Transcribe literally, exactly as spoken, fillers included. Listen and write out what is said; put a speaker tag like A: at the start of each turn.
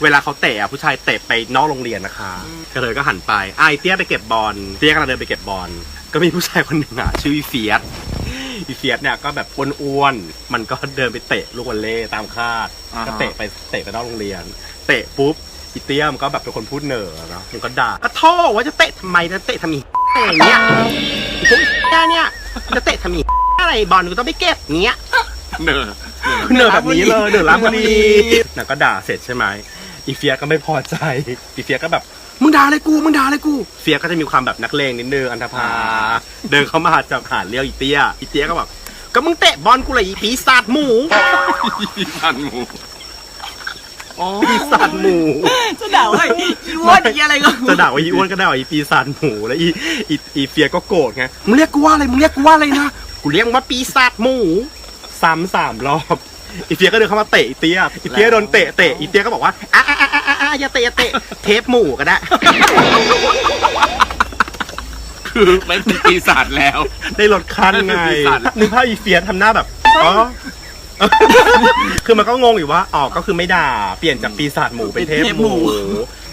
A: เวลาเขาเตะผู้ชายเตะไปนอกโรงเรียนนะคะกระเทยก็หันไปไอเตี้ยไปเก็บบอลเตี้ยกำลังเดินไปเก็บบอลก็มีผู้ชายคนหนึ่งอ่ะชื่ออีเฟียสอีเฟียสเนี่ยก็แบบอ้วนๆมันก็เดินไปเตะลูกวอลเลย์ตามคาดก็เตะไปเตะไปนอกโรงเรียนเตะปุ๊บอีเตี้ยมก็แบบเป็นคนพูดเหน่อเนาะมันก็ด่าก็โทษว่าจะเตะทำไมจะเตะทำไมอย่างเงี้ยพวกแกเนี่ยจะเตะทำไมอะไรบอลกูต้องไปเก็บเงี้ยเหน่อเหน่อแบบนี้เลยเหน่อล้างบุรีน่ะก็ด่าเสร็จใช่ไหมอีเฟียก็ไม่พอใจอีเฟียก็แบบมึงด่าอะไรกูมึงด่าอะไรกูเฟียก็จะมีความแบบนักเลงนิดนึงอันธพาเดินเข้ามาจับหาเลี้ยวอีเตี้ยอีเตี้ยก็แบบก็มึงเตะบอลกูเลยอีปีศาจหมูปีศาจหมูปีศาจหมู
B: จะด่าว่าอีอ้วนอีอะไรก็
A: จะด่าว่าอีอ้วนก็ได้ว่าอีปีศาจหมูแล้วอีอีอีเฟียก็โกรธไงมึงเรียกกูว่าอะไรมึงเรียกกูว่าอะไรนะกูเรียกมึงว่าปีศาจหมูซ้ำสามรอบอีเฟียก็เดินเข้ามาเตะอีเตี้ยอีเตี้ยโดนเตะเตะอีเตี้ยก็บอกว่าอ่ะอ่ะอ่ะอ่ะอ่ะอย่าเตะอย่าเตะเทปหมูก็ได้
C: คือไม่เป็นปีศาจแล้ว
A: ได้ลดขั้นไงนึกภาพอีเฟียทำหน้าแบบอ๋อคือมันก็งงอยู่ว่าอ๋อก็คือไม่ด่าเปลี่ยนจากปีศาจหมูเป็นเทพหมู